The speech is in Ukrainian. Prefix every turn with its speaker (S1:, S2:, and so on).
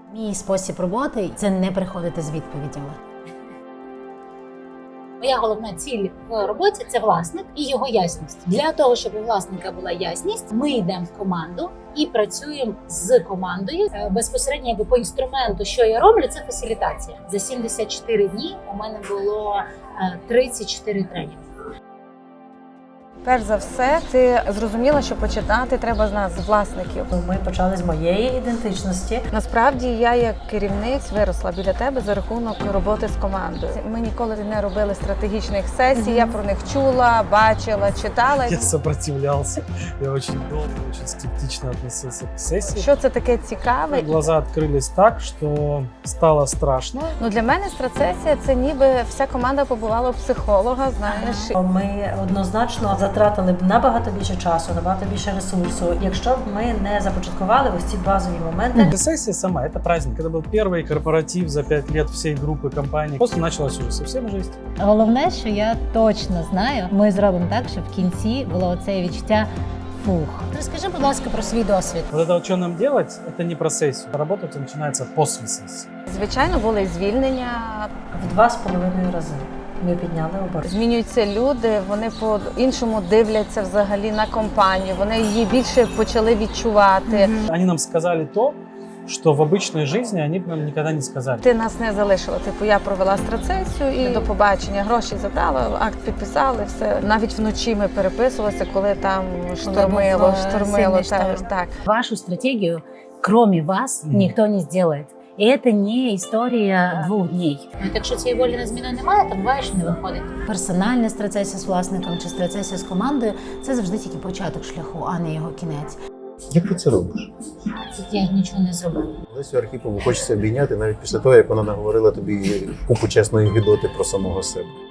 S1: Мій спосіб роботи – це не приходити з відповідями. Моя головна ціль в роботі – це власник і його ясність. Для того, щоб у власника була ясність, ми йдемо в команду і працюємо з командою. Безпосередньо по інструменту, що я роблю, це фасилітація. За 74 дні у мене було 34 тренінги.
S2: Перш за все, ти зрозуміла, що починати треба з нас, з власників.
S3: Ми почали з моєї ідентичності.
S2: Насправді я як керівник виросла біля тебе за рахунок роботи з командою. Ми ніколи не робили стратегічних сесій, я про них чула, бачила, читала.
S4: Я сопротивлялся, я очень долго, очень скептично относился к сессии.
S2: Що це таке цікаве?
S4: Глаза открылись так, что стало страшно.
S2: Ну, для мене страцесія – це ніби вся команда побувала у психолога, знаєш.
S3: Ми однозначно затратили б набагато більше часу, набагато більше ресурсу, якщо б ми не започаткували ось ці базові моменти.
S4: Сессия сама – это праздник. Это был первый корпоратив за 5 лет всей группы компаний. После началась уже совсем жесть.
S1: Головне, що я точно знаю, ми зробимо так, щоб в кінці було оце відчуття фух. Розкажи, будь ласка, про свій досвід.
S4: Вот это вот, что нам делать, это не про сессию. Работать начинается после сессии.
S2: Звичайно, були і звільнення.
S3: В 2,5 рази ми підняли оборот.
S2: Змінюються люди, вони по-іншому дивляться взагалі на компанію, вони її більше почали відчувати.
S4: Они нам сказали то, что в обычной жизни они бы нам никогда не сказали.
S2: Ти нас не залишила. Типу, я провела страцесію і до побачення. Гроші забрала, акт підписали, все. Навіть вночі ми переписувалися, коли там штормило. Так.
S1: Вашу стратегию, кроме вас, никто не сделает. І це не історія 2 днів. Якщо цієї волі на зміну немає, то буває, що не виходить. Персональна страцесія з власником чи страцесія з командою – це завжди тільки початок шляху, а не його кінець.
S5: Як ти це робиш?
S1: Я нічого не зробила.
S5: Лесю Архіпову хочеться обійняти навіть після того, як вона наговорила тобі купу чесної гидоти про самого себе.